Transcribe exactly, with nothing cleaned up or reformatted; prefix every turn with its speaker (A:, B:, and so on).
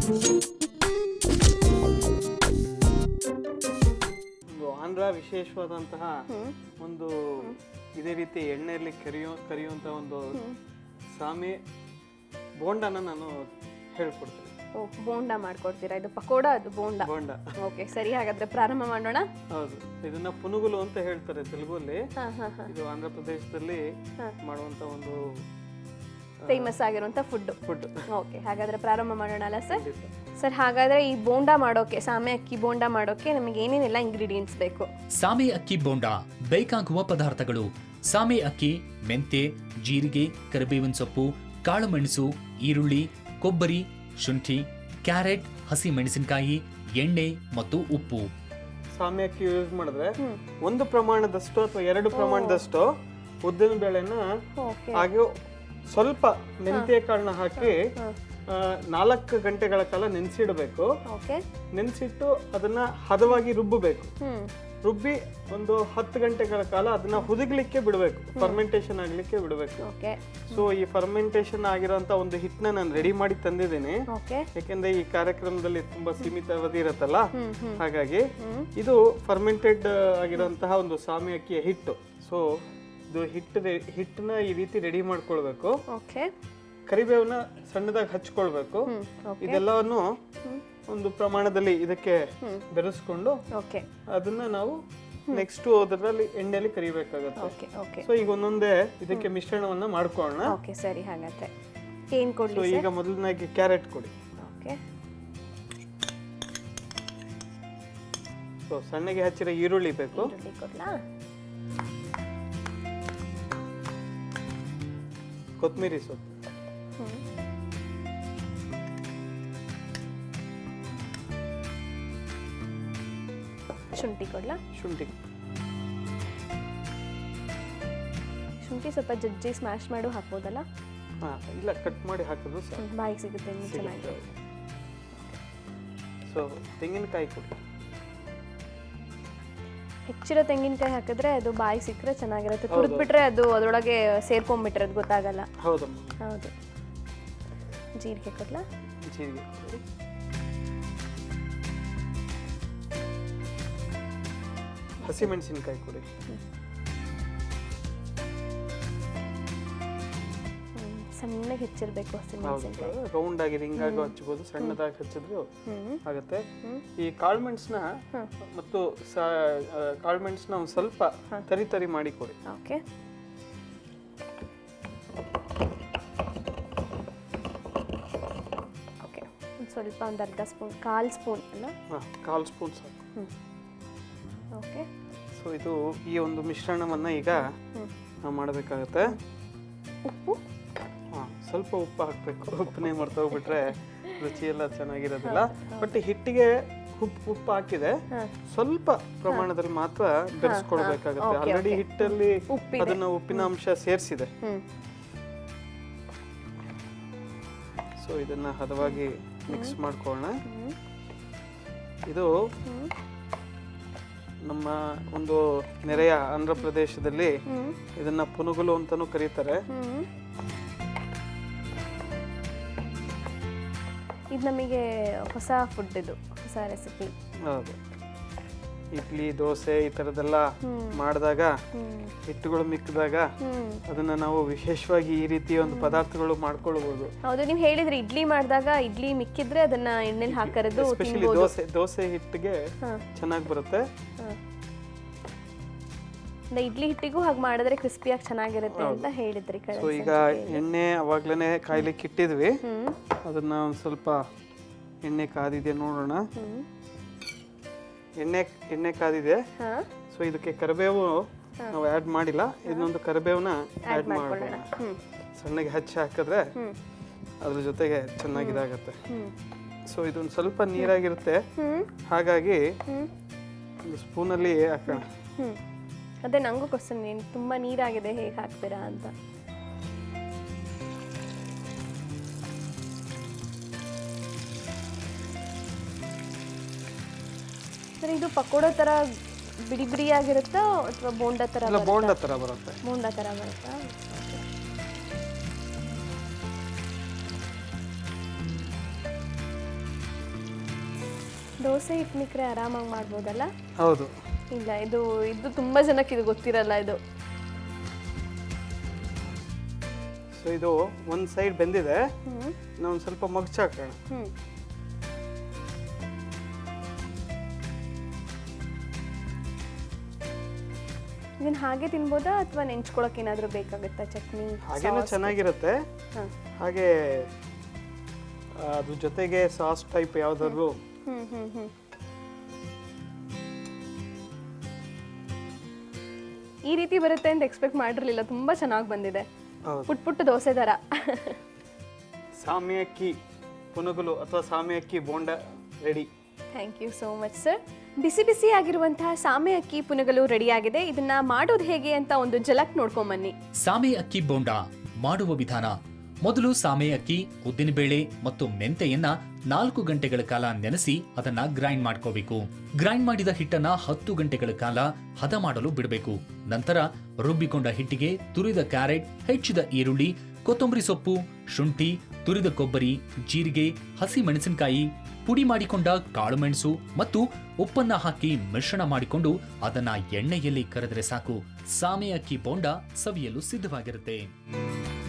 A: ಒಂದು ಆಂಧ್ರ ವಿಶೇಷವಾದಂತಹ ಒಂದು ಇದೇ ರೀತಿ ಎಣ್ಣೆಯಲ್ಲಿ ಕರಿಯೋ ಕರಿಯುವಂತಹ ಒಂದು ಸಾಮೆ ಬೋಂಡನ ನಾನು ಹೇಳ್ಕೊಡ್ತೀನಿ.
B: ಓ, ಬೋಂಡ ಮಾಡ್ಕೊಡ್ತೀರಾ? ಇದು ಪಕೋಡ, ಅದು ಬೋಂಡ.
A: ಬೋಂಡ.
B: ಓಕೆ, ಸರಿ, ಹಾಗಾದ್ರೆ ಪ್ರಾರಂಭ ಮಾಡೋಣ.
A: ಹೌದು, ಇದನ್ನ ಪುನುಗುಲು ಅಂತ ಹೇಳ್ತಾರೆ ತೆಲುಗಲ್ಲಿ. ಇದು ಆಂಧ್ರ ಪ್ರದೇಶದಲ್ಲಿ ಮಾಡುವಂತ ಒಂದು
B: ಫೇಮಸ್ ಆಗಿರುವಂತ ಫುಡ್
A: ಫುಡ್.
B: ಓಕೆ, ಹಾಗಾದ್ರೆ ಪ್ರಾರಂಭ ಮಾಡೋಣ ಅಲ್ಲ ಸರ್? ಸರ್, ಹಾಗಾದ್ರೆ ಈ ಬೋಂಡ ಮಾಡೋಕೆ, ಸಾಮೆ ಅಕ್ಕಿ ಬೋಂಡ ಮಾಡೋಕೆ ನಮಗೆ ಏನೇನೆಲ್ಲ ಇಂಗ್ರೀಡಿಯೆಂಟ್ಸ್ ಬೇಕು?
C: ಸಾಮೆ ಅಕ್ಕಿ ಬೋಂಡ ಬೇಕಾಗುವ ಪದಾರ್ಥಗಳು: ಸಾಮೆ ಅಕ್ಕಿ, ಮೆಂತೆ, ಜೀರಿಗೆ, ಕರಿಬೇವಿನ ಸೊಪ್ಪು, ಕಾಳು ಮೆಣಸು, ಈರುಳ್ಳಿ, ಕೊಬ್ಬರಿ, ಶುಂಠಿ, ಕ್ಯಾರೆಟ್, ಹಸಿ ಮೆಣಸಿನಕಾಯಿ, ಎಣ್ಣೆ ಮತ್ತು ಉಪ್ಪು.
A: ಸಾಮೆ ಅಕ್ಕಿ ಯೂಸ್ ಮಾಡಿದ್ರೆ ಒಂದು ಪ್ರಮಾಣದಷ್ಟು ಅಥವಾ ಎರಡು ಪ್ರಮಾಣದಷ್ಟು ಉದ್ದಿನ ಬೇಳೆನ ಹಾಗೆ ಸ್ವಲ್ಪ ಮೆಂತ್ಯ ಕಾಳನ್ನ ಹಾಕಿ ನಾಲ್ಕು ಗಂಟೆಗಳ ಕಾಲ ನೆನೆಸಿಡಬೇಕು. ನೆನೆಸಿಟ್ಟು ಅದನ್ನ ಹದವಾಗಿ ರುಬ್ಬಬೇಕು. ರುಬ್ಬಿ ಒಂದು ಹತ್ತು ಗಂಟೆಗಳ ಕಾಲ ಅದನ್ನ ಹುದುಗ್ಲಿಕ್ಕೆ ಬಿಡಬೇಕು, ಫರ್ಮೆಂಟೇಶನ್ ಆಗ್ಲಿಕ್ಕೆ ಬಿಡಬೇಕು. ಸೊ ಈ ಫರ್ಮೆಂಟೇಶನ್ ಆಗಿರೋಂತ ಒಂದು ಹಿಟ್ಟನ್ನ ನಾನು ರೆಡಿ ಮಾಡಿ ತಂದಿದ್ದೀನಿ, ಯಾಕೆಂದ್ರೆ ಈ ಕಾರ್ಯಕ್ರಮದಲ್ಲಿ ತುಂಬಾ ಸೀಮಿತ ಅವಧಿ ಇರತ್ತಲ್ಲ, ಹಾಗಾಗಿ ಇದು ಫರ್ಮೆಂಟೆಡ್ ಆಗಿರೋಂತಹ ಒಂದು ಸಾಮೆ ಅಕ್ಕಿಯ ಹಿಟ್ಟು. ಸೊ ಇದು ಹಿಟ್ಟು ಹಿಟ್ಟನ್ನ ಈ ರೀತಿ ರೆಡಿ ಮಾಡ್ಕೊಳ್ಬೇಕು. ಕರಿಬೇವನ್ನ ಸಣ್ಣದಾಗಿ ಹಚ್ಕೊಳ್ಬೇಕು. ಇದೆಲ್ಲವನ್ನು ಒಂದು ಪ್ರಮಾಣದಲ್ಲಿ ಇದಕ್ಕೆ ಬೆರೆಸ್ಕೊಂಡು ಅದನ್ನ ನಾವು ನೆಕ್ಸ್ಟ್ ಅದರಲ್ಲಿ ಎಣ್ಣೆಯಲ್ಲಿ ಕರಿಬೇಕಾಗುತ್ತೆ. ಸೊ ಈಗ ಒಂದೊಂದೇ ಇದಕ್ಕೆ ಮಿಶ್ರಣವನ್ನ ಮಾಡ್ಕೊಳ್ಳೋಣ.
B: ಸರಿ, ಹಾಗಾದ್ರೆ ಏನ್ ಕೊಡ್ಲಿ?
A: ಸೊ ಈಗ ಮೊದಲನಾಗಿ ಕ್ಯಾರೆಟ್ ಕೊಡಿ. ಸೊ ಸಣ್ಣಗೆ ಹಚ್ಚಿರೋ ಈರುಳ್ಳಿ ಬೇಕು. ಕೊತ್ತಂಬರಿ ಸೊಪ್ಪು,
B: ಶುಂಠಿ ಕೊಡ್ಲಾ?
A: ಶುಂಠಿ
B: ಶುಂಠಿ ಸ್ವಲ್ಪ ಜಜ್ಜಿ ಸ್ಮ್ಯಾಶ್ ಮಾಡಿ ಹಾಕ್ಬೋದಲ್ಲ?
A: ಹಾ, ಇಲ್ಲ, ಕಟ್ ಮಾಡಿ ಹಾಕಿದ್ರು
B: ಬಾಯಿಗೆ ಸಿಗುತ್ತೆ, ಚೆನ್ನಾಗಿ.
A: ಸೊ ತೆಂಗಿನಕಾಯಿ ಕೊಡಿ.
B: ಹೆಚ್ಚಿರೋ ತೆಂಗಿನಕಾಯಿ ಹಾಕಿದ್ರೆ ಅದು ಬಾಯಿ ಸಿಕ್ಕರೆ ಚೆನ್ನಾಗಿರುತ್ತೆ. ಕುಡಿದ್ಬಿಟ್ರೆ ಅದು ಅದರೊಳಗೆ ಸೇರ್ಕೊಂಡ್ಬಿಟ್ರೆ ಅದು ಗೊತ್ತಾಗಲ್ಲ.
A: ಹೌದಮ್ಮ,
B: ಹೌದು. ಜೀರಿಗೆ ಕೊಡ್ಲಾ?
A: ಜೀರಿಗೆ, ಹಸಿ ಮೆಣಸಿನಕಾಯಿ ಕೊಡಿ.
B: ಸಣ್ಣಗೆ ಹೆಚ್ಚಿರ್ಬೇಕು ಹಸಿ ಮೆಣಸಿನಕಾಯಿ.
A: ರೌಂಡ್ ಆಗಿ ರಿಂಗ್ ಆಗಿ ಹಚ್ಚಬಹುದು, ಸಣ್ಣದಾಗಿ ಹಚ್ಚಿದ್ರು ಆಗುತ್ತೆ. ಈ ಕಾಳು ಮೆಣಸನ್ನ ಮತ್ತು ಕಾಳು ಮೆಣಸನ್ನ ಒಂದು ಸ್ವಲ್ಪ ತರಿ ತರಿ ಮಾಡಿ ಕೊಡಿ.
B: ಓಕೆ. ಓಕೆ, ಒಂದು ಸ್ವಲ್ಪ ಒಂದು ಅರ್ಧ ಸ್ಪೂನ್, ಕಾಲು ಸ್ಪೂನ್ ಅಲ್ಲ?
A: ಹಾಂ, ಕಾಲು ಸ್ಪೂನ್ ಸಾಕು.
B: ಓಕೆ.
A: ಸೊ ಇದು ಈ ಒಂದು ಮಿಶ್ರಣವನ್ನ ಈಗ ನಾವು ಮಾಡಬೇಕಾಗತ್ತೆ.
B: ಉಪ್ಪು,
A: ಹಾಂ, ಸ್ವಲ್ಪ ಉಪ್ಪು ಹಾಕಬೇಕು. ಉಪ್ಪನ್ನೇ ಮರ್ತೋಗ್ಬಿಟ್ರೆ ರುಚಿ ಎಲ್ಲ ಚೆನ್ನಾಗಿರೋದಿಲ್ಲ. ಬಟ್ ಹಿಟ್ಟಿಗೆ ಉಪ್ಪು ಉಪ್ಪು ಹಾಕಿದೆ, ಸ್ವಲ್ಪ ಪ್ರಮಾಣದಲ್ಲಿ ಮಾತ್ರ ಬೆರೆಸ್ಕೊಳ್ಬೇಕಾಗತ್ತೆ. ಆಲ್ರೆಡಿ ಹಿಟ್ಟಲ್ಲಿ ಅದನ್ನ ಉಪ್ಪಿನ ಅಂಶ ಸೇರಿಸಿದೆ. ಸೊ ಇದನ್ನ ಹದವಾಗಿ ಮಿಕ್ಸ್ ಮಾಡ್ಕೊಳ್ಳೋಣ. ಇದು ನಮ್ಮ ಒಂದು ನೆರೆಯ ಆಂಧ್ರ ಪ್ರದೇಶದಲ್ಲಿ ಇದನ್ನ ಪುನುಗುಲು ಅಂತಾನೂ ಕರೀತಾರೆ.
B: ಇದು ನಮಗೆ ಹೊಸ ಫುಡ್, ಇದು ಹೊಸ ರೆಸಿಪಿ.
A: ಹೌದು, ಇಡ್ಲಿ, ದೋಸೆ ಈ ತರದೆಲ್ಲ ಮಾಡಿದಾಗ ಹಿಟ್ಟುಗಳು ಮಿಕ್ಕಿದಾಗ ಅದನ್ನ ನಾವು ವಿಶೇಷವಾಗಿ ಈ ರೀತಿಯ ಒಂದು ಪದಾರ್ಥಗಳು ಮಾಡ್ಕೊಳ್ಬಹುದು.
B: ಹೌದು, ನೀವು ಹೇಳಿದ್ರಿ ಇಡ್ಲಿ ಮಾಡಿದಾಗ ಇಡ್ಲಿ ಮಿಕ್ಕಿದ್ರೆ ಅದನ್ನ ಎಣ್ಣೆಲಿ ಹಾಕರೋದು.
A: ಎಸ್ಪೆಷಲಿ ದೋಸೆ ದೋಸೆ ಹಿಟ್ಟಿಗೆ ಚೆನ್ನಾಗಿ ಬರುತ್ತೆ.
B: ಇಡ್ಲಿ ಹಿಟ್ಟಿಗೂ ಹಾಗೆ ಮಾಡಿದ್ರೆ ಕ್ರಿಸ್ಪಿಯಾಗಿ ಚೆನ್ನಾಗಿರುತ್ತೆ ಅಂತ ಹೇಳಿದ್ರಿ.
A: ಸೊ ಈಗ ಎಣ್ಣೆ ಅವಾಗ್ಲೇನೆ ಕಾಯ್ಲಿಕ್ಕೆ ಇಟ್ಟಿದ್ವಿ, ಅದನ್ನ ಒಂದು ಸ್ವಲ್ಪ ಎಣ್ಣೆ ಕಾದಿದೆ ನೋಡೋಣ. ಎಣ್ಣೆ ಎಣ್ಣೆ ಕಾದಿದೆ. ಸೊ ಇದಕ್ಕೆ ಕರಿಬೇವು ನಾವು ಆ್ಯಡ್ ಮಾಡಿಲ್ಲ, ಇದನ್ನೊಂದು ಕರಿಬೇವನ್ನ ಆ್ಯಡ್ ಮಾಡೋಣ. ಸಣ್ಣಗೆ ಹಚ್ಚಿ ಹಾಕಿದ್ರೆ ಅದ್ರ ಜೊತೆಗೆ ಚೆನ್ನಾಗಿದಾಗತ್ತೆ. ಸೊ ಇದೊಂದು ಸ್ವಲ್ಪ ನೀರಾಗಿರುತ್ತೆ, ಹಾಗಾಗಿ ಒಂದು ಸ್ಪೂನಲ್ಲಿ ಹಾಕೋಣ.
B: ಅದೇ ನಂಗೂ ಕ್ವಶನ್, ಏನು ತುಂಬ ನೀರಾಗಿದೆ, ಹೇಗೆ ಹಾಕ್ತೀರಾ ಅಂತ. ಸರ್, ಇದು ಪಕೋಡೋ ಥರ ಬಿಡಿ ಬಿಡಿಯಾಗಿರುತ್ತಾ ಅಥವಾ ಬೋಂಡ ಥರ?
A: ಬೋಂಡ ಥರ ಬರುತ್ತೆ.
B: ಬೋಂಡ ಥರ ಬರುತ್ತಾ? ದೋಸೆ ಹಿಟ್ಟು ಮಿಕ್ರೆ ಆರಾಮಾಗಿ ಮಾಡ್ಬೋದಲ್ಲ?
A: ಹೌದು.
B: ಇಲ್ಲ, ಇದು ಇದು ತುಂಬ ಜನಕ್ಕೆ ಇದು ಗೊತ್ತಿರಲ್ಲ ಇದು.
A: ಸೊ ಇದು ಒಂದು ಸೈಡ್ ಬೆಂದಿದೆ,
B: ಹ್ಞೂ
A: ನಾವು ಒಂದು ಸ್ವಲ್ಪ ಮಗ್ಚಾಕೋಣ.
B: ಹ್ಞೂ ಇದನ್ನ ಹಾಗೆ ತಿನ್ಬೋದಾ ಅಥವಾ ನೆಂಚ್ಕೊಳಕ್ಕೆ ಏನಾದರೂ ಬೇಕಾಗುತ್ತಾ ಚಟ್ನಿ?
A: ಹಾಗೇನೂ ಚೆನ್ನಾಗಿರುತ್ತೆ.
B: ಹಾಂ.
A: ಹಾಗೆ ಅದ್ರ ಜೊತೆಗೆ ಸಾಸ್ ಟೈಪ್ ಯಾವುದಾದ್ರು.
B: ಹ್ಞೂ ಹ್ಞೂ ಹ್ಞೂ ಈ ರೀತಿ ಬರುತ್ತೆ ಅಂತ ಎಕ್ಸ್ಪೆಕ್ಟ್ ಮಾಡಿರಲಿಲ್ಲ. ತುಂಬ ಚೆನ್ನಾಗಿ ಬಂದಿದೆ, ಪುಟ್ ಪುಟ್ಟು ದೋಸೆ ಥರ.
A: ಸಾಮೆ ಅಕ್ಕಿ ಪುನುಗುಲು ಅಥವಾ ಸಾಮೆ ಅಕ್ಕಿ bonda ready.
B: Thank you so much sir. ಬಿಸಿ ಬಿಸಿ ಆಗಿರುವಂತಹ ಸಾಮೆ ಅಕ್ಕಿ ಪುನುಗಲು ರೆಡಿಯಾಗಿದೆ. ಇದನ್ನ ಮಾಡೋದು ಹೇಗೆ ಅಂತ ಒಂದು ಜಲಕ್ ನೋಡ್ಕೊಂಬನ್ನಿ.
C: ಸಾಮೆ ಅಕ್ಕಿ ಬೋಂಡ ಮಾಡುವ ವಿಧಾನ. ಮೊದಲು ಸಾಮೆ ಅಕ್ಕಿ, ಉದ್ದಿನಬೇಳೆ ಮತ್ತು ಮೆಂತೆಯನ್ನ ನಾಲ್ಕು ಗಂಟೆಗಳ ಕಾಲ ನೆನೆಸಿ ಅದನ್ನ ಗ್ರೈಂಡ್ ಮಾಡ್ಕೋಬೇಕು. ಗ್ರೈಂಡ್ ಮಾಡಿದ ಹಿಟ್ಟನ್ನ ಹತ್ತು ಗಂಟೆಗಳ ಕಾಲ ಹದ ಮಾಡಲು ಬಿಡಬೇಕು. ನಂತರ ರುಬ್ಬಿಕೊಂಡ ಹಿಟ್ಟಿಗೆ ತುರಿದ ಕ್ಯಾರೆಟ್, ಹೆಚ್ಚಿದ ಈರುಳ್ಳಿ, ಕೊತ್ತಂಬರಿ ಸೊಪ್ಪು, ಶುಂಠಿ, ತುರಿದ ಕೊಬ್ಬರಿ, ಜೀರಿಗೆ, ಹಸಿ ಮೆಣಸಿನಕಾಯಿ, ಪುಡಿ ಮಾಡಿಕೊಂಡ ಕಾಳುಮೆಣಸು ಮತ್ತು ಉಪ್ಪನ್ನ ಹಾಕಿ ಮಿಶ್ರಣ ಮಾಡಿಕೊಂಡು ಅದನ್ನ ಎಣ್ಣೆಯಲ್ಲಿ ಕರೆದರೆ ಸಾಕು. ಸಾಮೆ ಅಕ್ಕಿ ಬೋಂಡ ಸವಿಯಲು ಸಿದ್ಧವಾಗಿರುತ್ತೆ.